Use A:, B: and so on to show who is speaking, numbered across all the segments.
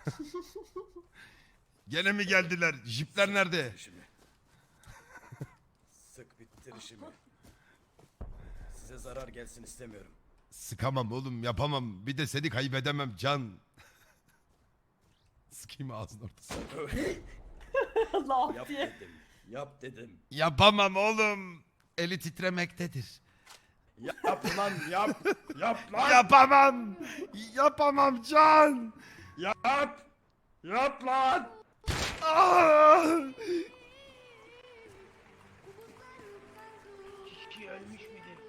A: Gene mi geldiler? Jipler nerede?
B: Sık bittir işimi. Size zarar gelsin istemiyorum.
A: Sıkamam oğlum, yapamam. Bir de seni kaybedemem Can. Sıkayım ağzının ortasına.
C: Allah
B: Yap
C: diye.
B: dedim. Yap dedim.
A: Yapamam oğlum. Eli titremektedir.
B: Yap lan yap. Yap lan.
A: Yapamam. Yapamam Can.
B: Yap. Yap lan.
A: Ah!
D: Kişi ölmüş müdür?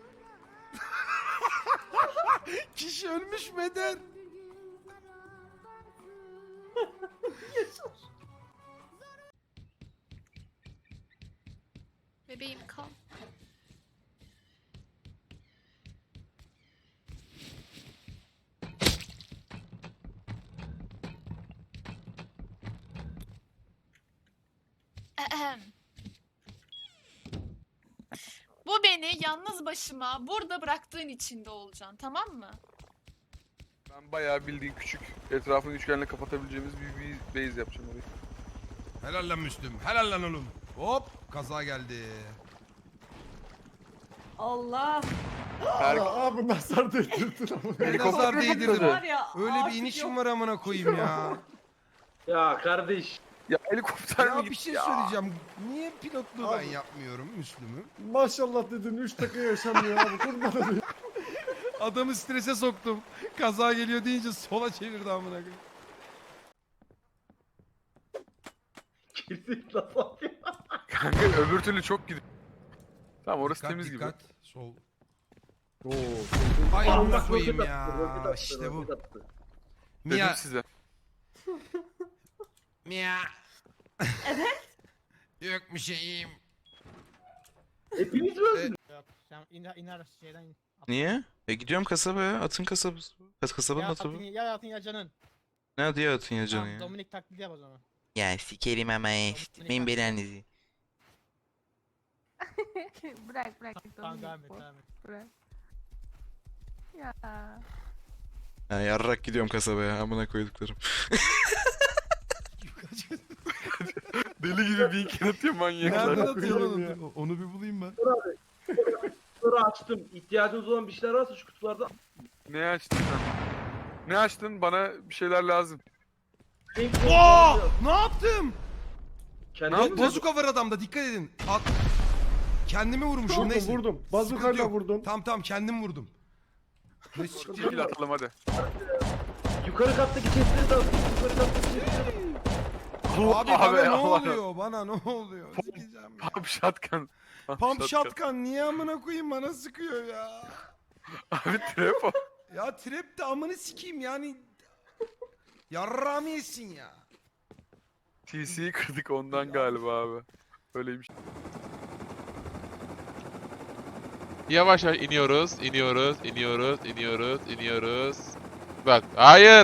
A: Kişi ölmüş müdür?
E: Bebeğim kal. Ahem. Bu beni yalnız başıma burada bıraktığın için de olacaksın, tamam mı?
F: Ben bayağı bildiğin küçük etrafını üçgenle kapatabileceğimiz bir base yapacağım orayı.
A: Helal lan Müslüm. Helal lan oğlum. Hop, kaza geldi.
C: Allah.
G: Abi nazar değdirdin ama.
A: Ne nazar değdirdim.
C: Var ya,
A: Öyle bir
C: artık
A: inişim
C: yok.
A: var amına koyayım ya.
D: Ya kardeş.
F: Ya helikopter mi
A: Ya
F: gitti
A: bir şey
F: ya?
A: söyleyeceğim. Niye pilotluğu ben
G: Abi.
A: yapmıyorum Müslüm'ü?
G: Maşallah dedin 3 dakika yaşamıyor abi kurban olayım.
A: Adamı strese soktum. Kaza geliyor deyince sola çevirdi amına koyayım.
D: Girdik lan bak ya.
F: Kanka öbür türlü çok gidiyor. Tamam orası
A: Dikkat,
F: temiz
A: dikkat.
F: gibi.
A: Sol.
G: Oo.
A: Ay
D: Allah
A: amına koyayım
D: roket
A: ya.
D: attı, roket attı,
A: İşte bu.
D: roket attı.
F: Dedim
A: Mia.
F: size.
A: Mia.
C: Evet.
A: Yok bir şeyim.
D: Hepiniz mi öldünüz?
H: Sen iner şeyden in.
I: Niye? Gidiyorum kasabaya. Atın kasabası. Kasabanın
H: Ya
I: atı bu.
H: atın ya atın ya canın.
I: Ne adı ya atın ya canı
H: Tamam,
I: ya?
H: Dominik taklidi yap o zaman.
I: Ya sikerim ama benim belanızı.
E: Bırak
H: Tamam devam et devam et.
E: Bırak. Ya.
I: Ya yarrak gidiyorum kasabaya amına koyduklarım.
F: Deli gibi bir iki atıyor manyaklar.
A: Nereden atıyor
G: koyayım
A: lan onu? Onu bir bulayım ben.
D: Kutuları açtım. İhtiyacınız olan bir şeyler varsa şu kutularda.
F: Ne açtın sen? Ne açtın? Bana bir şeyler lazım.
A: Oo! Ne yaptım?
D: Kendiniz
A: Bazuka var adamda, dikkat edin. At. Kendimi vurmuşum
G: Vurdum
A: neyse.
G: vurdum.
A: Sıkıntı
G: Bazukayla
A: yok.
G: vurdum.
A: Tamam kendim vurdum. Ne siktir?
F: Çekil atalım hadi.
D: Yukarı kattaki chestleri de atın. Yukarı kattaki chestleri de
A: Abi bana
F: Abi,
A: ne
F: Allah.
A: oluyor? Bana ne oluyor? Sikeceğim ya.
F: Pump shotgun.
A: Pump shotgun niye amına koyayım bana sıkıyor ya?
F: Abi trap o.
A: Ya trap de amını sikeyim yani. Yarrağımı yesin ya.
F: TC'yi kırdık ondan galiba abi. Öyleymiş.
J: Yavaş yavaş iniyoruz. Bak, hayır.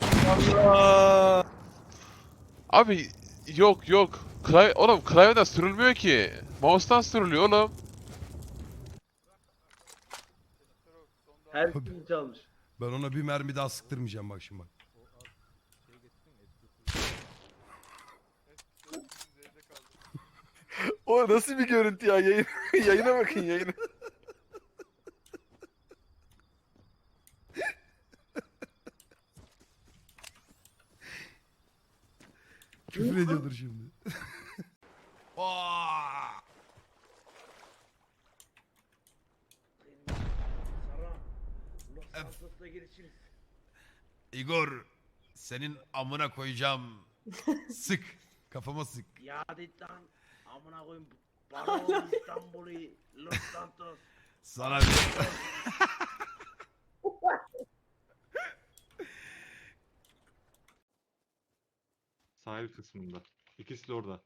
J: Abi yok. Oğlum klavyeden sürülmüyor ki. Mouse'tan sürülüyor oğlum.
D: Her şeyi çalmış.
A: Ben ona bir mermi daha sıktırmayacağım bak şimdi bak.
F: O nasıl bir görüntü ya? Yayına bakın yayına.
A: Küfür ediyordur şimdi. Aa!
D: Sara. Los Santos'la gelişiriz.
A: Igor, senin amına koyacağım. Sık. Kafama sık.
D: Ya dit lan. Amına koyayım. Balon İstanbul'u. Los Santos.
A: Sana bir...
K: Sahil kısmında. İkisi de orada.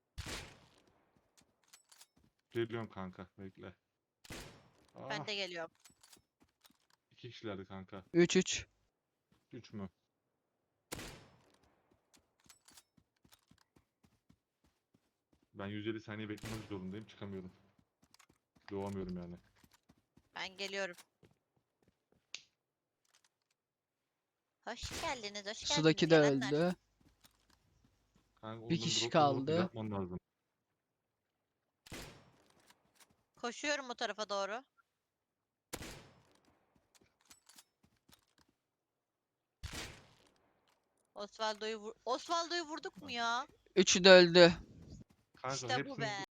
K: Geliyorum kanka, bekle.
E: Ben de geliyorum.
K: 2 kişilerdi kanka.
H: 3-3.
K: 3 mü? Ben 150 saniye beklemek zorundayım, çıkamıyorum. Doğamıyorum yani.
E: Ben geliyorum.
L: Hoş geldiniz, hoş geldiniz.
M: Sudaki de
L: gelenler.
M: öldü.
K: Kanka,
M: Bir
K: uzun
M: kişi
K: drop alıp
M: kaldı.
K: yapman lazım.
L: Koşuyorum o tarafa doğru. Osvaldo'yu vurduk mu ya?
M: Üçü de öldü.
K: Kanka
L: İşte bu
K: hepsini
L: be.